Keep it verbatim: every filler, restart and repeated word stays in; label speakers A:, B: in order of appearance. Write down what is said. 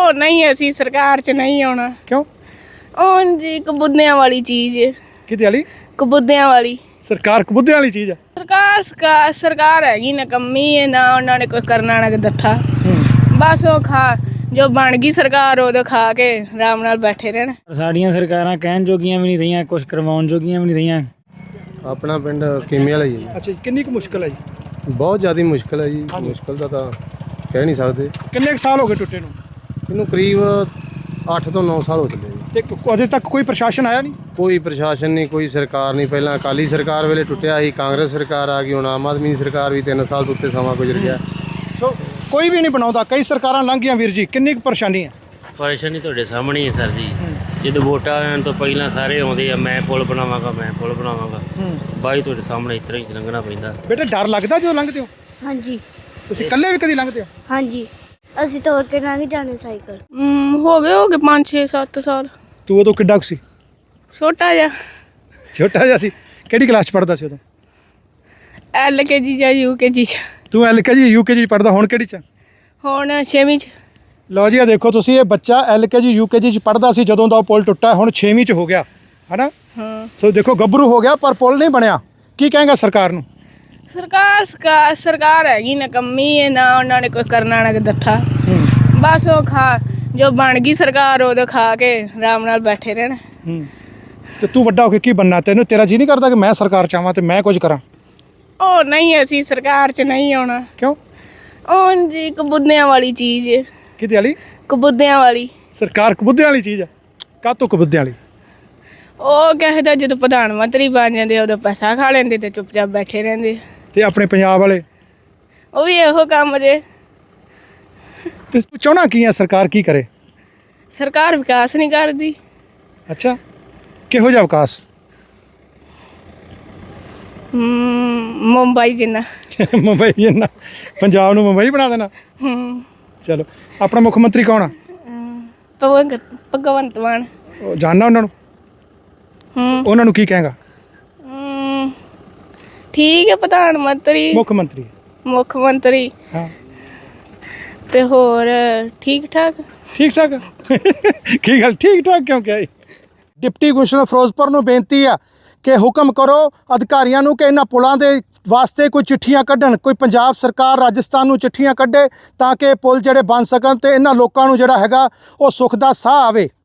A: ਉਹ ਨਹੀਂ ਅਸੀਂ ਸਰਕਾਰ 'ਚ ਨਹੀਂ ਆਉਣਾ।
B: ਕਿਉਂ?
A: ਉਹ ਜੀ ਕਬੂਦਿਆਂ ਵਾਲੀ ਚੀਜ਼ ਹੈ।
B: ਕਿਹਦੇ ਵਾਲੀ?
A: ਕਬੂਦਿਆਂ ਵਾਲੀ
B: ਸਰਕਾਰ ਕਬੂਦਿਆਂ ਵਾਲੀ ਚੀਜ਼ ਆ।
A: ਸਰਕਾਰ ਸਰਕਾਰ ਸਰਕਾਰ ਹੈਗੀ ਨਕੰਮੀ ਹੈ ਨਾ, ਉਹਨਾਂ ਨੇ ਕੋਈ ਕਰਨਾ ਨਾ ਦਿੱਤਾ। ਬਸ ਉਹ ਖਾ ਜੋ ਬਣ ਗਈ ਸਰਕਾਰ ਉਦੋਂ ਖਾ ਕੇ ਆਰਾਮ ਨਾਲ ਬੈਠੇ ਰਹਿਣ।
C: ਸਾਡੀਆਂ ਸਰਕਾਰਾਂ ਕਹਿਣ ਜੋਗੀਆਂ ਵੀ ਨਹੀਂ ਰਹੀਆਂ, ਕੁਝ ਕਰਵਾਉਣ ਜੋਗੀਆਂ ਵੀ ਨਹੀਂ ਰਹੀਆਂ।
D: ਆਪਣਾ ਪਿੰਡ ਕੀਮੇ ਵਾਲਾ ਹੀ ਹੈ।
B: ਅੱਛਾ ਜੀ, ਕਿੰਨੀ ਕੁ ਮੁਸ਼ਕਲ ਹੈ ਜੀ?
D: ਬਹੁਤ ਜ਼ਿਆਦਾ ਮੁਸ਼ਕਲ ਹੈ ਜੀ। ਮੁਸ਼ਕਲ ਦਾ ਤਾਂ ਕਹਿ ਨਹੀਂ ਸਕਦੇ।
B: ਕਿੰਨੇ ਕੁ ਸਾਲ ਹੋ ਗਏ ਟੁੱਟੇ ਨੂੰ?
D: ਇਹਨੂੰ ਕਰੀਬ ਅੱਠ ਤੋਂ ਨੌ ਸਾਲ ਹੋ ਚੱਲੇ ਜੀ।
B: ਤੇ ਕ- ਅਜੇ ਤੱਕ ਕੋਈ ਪ੍ਰਸ਼ਾਸਨ ਆਇਆ ਨਹੀਂ?
D: ਕੋਈ ਪ੍ਰਸ਼ਾਸਨ ਨਹੀਂ, ਕੋਈ ਸਰਕਾਰ ਨਹੀਂ। ਪਹਿਲਾਂ ਅਕਾਲੀ ਸਰਕਾਰ ਵੇਲੇ ਟੁੱਟਿਆ ਸੀ, ਕਾਂਗਰਸ ਸਰਕਾਰ ਆ ਗਈ, ਹੁਣ ਆਮ ਆਦਮੀ ਦੀ ਸਰਕਾਰ ਵੀ ਤਿੰਨ ਸਾਲ ਤੋਂ ਉੱਤੇ ਸਮਾਂ ਗੁਜ਼ਰ ਗਿਆ।
B: ਸੋ ਕੋਈ ਵੀ ਨਹੀਂ ਬਣਾਉਂਦਾ, ਕਈ ਸਰਕਾਰਾਂ ਲੰਘ ਗਈਆਂ ਵੀਰ ਜੀ, ਕਿੰਨੀ ਕੁ ਪਰੇਸ਼ਾਨੀ ਹੈ?
E: ਪਰੇਸ਼ਾਨੀ ਤੁਹਾਡੇ ਸਾਹਮਣੇ ਹੈ ਸਰ ਜੀ। ਜਦੋਂ ਵੋਟਾਂ ਆਉਣ ਤੋਂ ਪਹਿਲਾਂ ਸਾਰੇ ਆਉਂਦੇ ਆ, ਮੈਂ ਪੁਲ ਬਣਾਵਾਂਗਾ, ਮੈਂ ਪੁਲ ਬਣਾਵਾਂਗਾ। ਬਾਈ ਤੁਹਾਡੇ ਸਾਹਮਣੇ ਇਸ ਤਰ੍ਹਾਂ ਹੀ ਲੰਘਣਾ ਪੈਂਦਾ।
B: ਬੇਟਾ ਡਰ ਲੱਗਦਾ ਜਦੋਂ ਲੰਘਦੇ ਹੋ?
F: ਹਾਂਜੀ
B: ਤੁਸੀਂ ਇਕੱਲੇ ਵੀ ਕਦੀ ਲੰਘਦੇ ਹੋ?
F: ਹਾਂਜੀ ਅਸੀਂ ਤੋਰ ਕੇ ਲੰਘ ਜਾਣੇ ਸਾਈਕਲ।
A: ਹਮ, ਹੋ ਗਏ ਹੋ ਗਏ ਪੰਜ ਛੇ ਸੱਤ ਸਾਲ।
B: ਤੂੰ ਉਦੋਂ ਕਿੱਡਾ ਕੁ ਸੀ?
A: ਛੋਟਾ ਜਿਹਾ
B: ਛੋਟਾ ਜਿਹਾ ਸੀ। ਕਿਹੜੀ ਕਲਾਸ 'ਚ ਪੜ੍ਹਦਾ ਸੀ ਉਦੋਂ?
A: ਐਲ ਕੇ ਜੀ ਜਾਂ ਯੂ ਕੇ ਜੀ।
B: ਤੂੰ ਐਲ ਕੇ ਜੀ ਯੂ ਕੇ ਜੀ ਪੜ੍ਹਦਾ, ਹੁਣ ਕਿਹੜੀ 'ਚ?
A: ਹੁਣ ਛੇਵੀਂ 'ਚ।
B: ਲਓ ਜੀ, ਆ ਦੇਖੋ ਤੁਸੀਂ, ਇਹ ਬੱਚਾ ਐਲ ਕੇ ਜੀ ਯੂ ਕੇ ਜੀ 'ਚ ਪੜ੍ਹਦਾ ਸੀ ਜਦੋਂ ਦਾ ਉਹ ਪੁਲ ਟੁੱਟਾ, ਹੁਣ ਛੇਵੀਂ 'ਚ ਹੋ ਗਿਆ ਹੈ ਨਾ।
A: ਹਾਂ
B: ਸੋ ਦੇਖੋ ਗੱਭਰੂ ਹੋ ਗਿਆ ਪਰ ਪੁਲ ਨਹੀਂ ਬਣਿਆ। ਕੀ ਕਹੇਗਾ ਸਰਕਾਰ ਨੂੰ?
A: ਸਰਕਾਰ ਸਰਕਾਰ ਸਰਕਾਰ ਹੈਗੀ ਨਕੰਮੀ ਹੈ ਨਾ, ਉਹਨਾਂ ਨੇ ਕੋਈ ਕਰਨਾ ਨਾ ਦਿੱਤਾ। ਬਸ ਉਹ ਖਾ ਜੋ ਬਣ ਗਈ ਸਰਕਾਰ ਉਦੋਂ ਖਾ ਕੇ ਆਰਾਮ ਨਾਲ ਬੈਠੇ ਰਹਿਣ।
B: ਹੂੰ ਤੇ ਤੂੰ ਵੱਡਾ ਹੋ ਕੇ ਕੀ ਬਣਨਾ? ਤੈਨੂੰ ਤੇਰਾ ਜੀ ਨਹੀਂ ਕਰਦਾ ਕਿ ਮੈਂ ਸਰਕਾਰ ਚਾਹਾਂ ਤੇ ਮੈਂ ਕੁਝ ਕਰਾਂ?
A: ਉਹ ਨਹੀਂ ਅਸੀਂ ਸਰਕਾਰ 'ਚ ਨਹੀਂ ਆਉਣਾ।
B: ਕਿਉਂ?
A: ਉਹ ਜੀ ਕਬੂਦਿਆਂ ਵਾਲੀ ਚੀਜ਼ ਹੈ।
B: ਕਿਹਦੇ ਵਾਲੀ?
A: ਕਬੂਦਿਆਂ ਵਾਲੀ।
B: ਸਰਕਾਰ ਕਬੂਦਿਆਂ ਵਾਲੀ ਚੀਜ਼ ਆ। ਕਾਹਤੋਂ ਕਬੂਦਿਆਂ ਵਾਲੀ?
A: ਉਹ ਕਹਿੰਦਾ ਜਦੋਂ ਪ੍ਰਧਾਨ ਮੰਤਰੀ ਬਣ ਜਾਂਦੇ ਉਦੋਂ ਪੈਸਾ ਖਾ ਲੈਂਦੇ ਤੇ ਚੁੱਪਚਾਪ ਬੈਠੇ ਰਹਿੰਦੇ।
B: ਤੇ ਆਪਣੇ ਪੰਜਾਬ ਵਾਲੇ?
A: ਉਹ ਵੀ ਇਹੋ ਕੰਮ ਜੇ।
B: ਤੇ ਤੂੰ ਚਾਹਣਾ ਕੀ ਆ ਸਰਕਾਰ ਕੀ ਕਰੇ?
A: ਸਰਕਾਰ ਵਿਕਾਸ ਨਹੀਂ ਕਰਦੀ।
B: ਅੱਛਾ, ਕਿਹੋ ਜਿਹਾ ਵਿਕਾਸ?
A: ਹਮ, ਮੁੰਬਈ ਜਿੰਨਾ।
B: ਮੁੰਬਈ ਜਿੰਨਾ? ਪੰਜਾਬ ਨੂੰ ਮੁੰਬਈ ਬਣਾ ਦੇਣਾ?
A: ਹਮ,
B: ਚਲੋ, ਆਪਣਾ ਮੁੱਖ ਮੰਤਰੀ ਕੌਣ ਆ?
A: ਭਗਵੰਤ ਭਗਵੰਤ ਮਾਨ।
B: ਉਹ ਜਾਣਨਾ ਉਹਨਾਂ ਨੂੰ?
A: ਹਮ
B: ਉਹਨਾਂ ਨੂੰ ਕੀ ਕਹੇਗਾ?
A: ਹਮ, ਠੀਕ ਹੈ, ਪ੍ਰਧਾਨ ਮੰਤਰੀ
B: ਮੁੱਖ ਮੰਤਰੀ।
A: ਮੁੱਖ ਮੰਤਰੀ
B: ਹਾਂ,
A: ਤੇ ਹੋਰ ਠੀਕ ਠਾਕ।
B: ਠੀਕ ਠਾਕ। ਕੀ ਗੱਲ ਠੀਕ ਠਾਕ ਕਿਉਂ ਕਿਹਾ? ਡਿਪਟੀ ਕਮਿਸ਼ਨਰ ਫਿਰੋਜ਼ਪੁਰ ਨੂੰ ਬੇਨਤੀ ਆ ਕਿ ਹੁਕਮ ਕਰੋ ਅਧਿਕਾਰੀਆਂ ਨੂੰ ਕਿ ਇਹਨਾਂ ਪੁਲਾਂ ਦੇ ਵਾਸਤੇ ਕੋਈ ਚਿੱਠੀਆਂ ਕੱਢਣ। ਕੋਈ ਪੰਜਾਬ ਸਰਕਾਰ ਰਾਜਸਥਾਨ ਨੂੰ ਚਿੱਠੀਆਂ ਕੱਢੇ ਤਾਂ ਕਿ ਪੁਲ ਜਿਹੜੇ ਬਣ ਸਕਣ ਤੇ ਇਹਨਾਂ ਲੋਕਾਂ ਨੂੰ ਜਿਹੜਾ ਹੈਗਾ ਉਹ ਸੁੱਖ ਦਾ ਸਾਹ ਆਵੇ।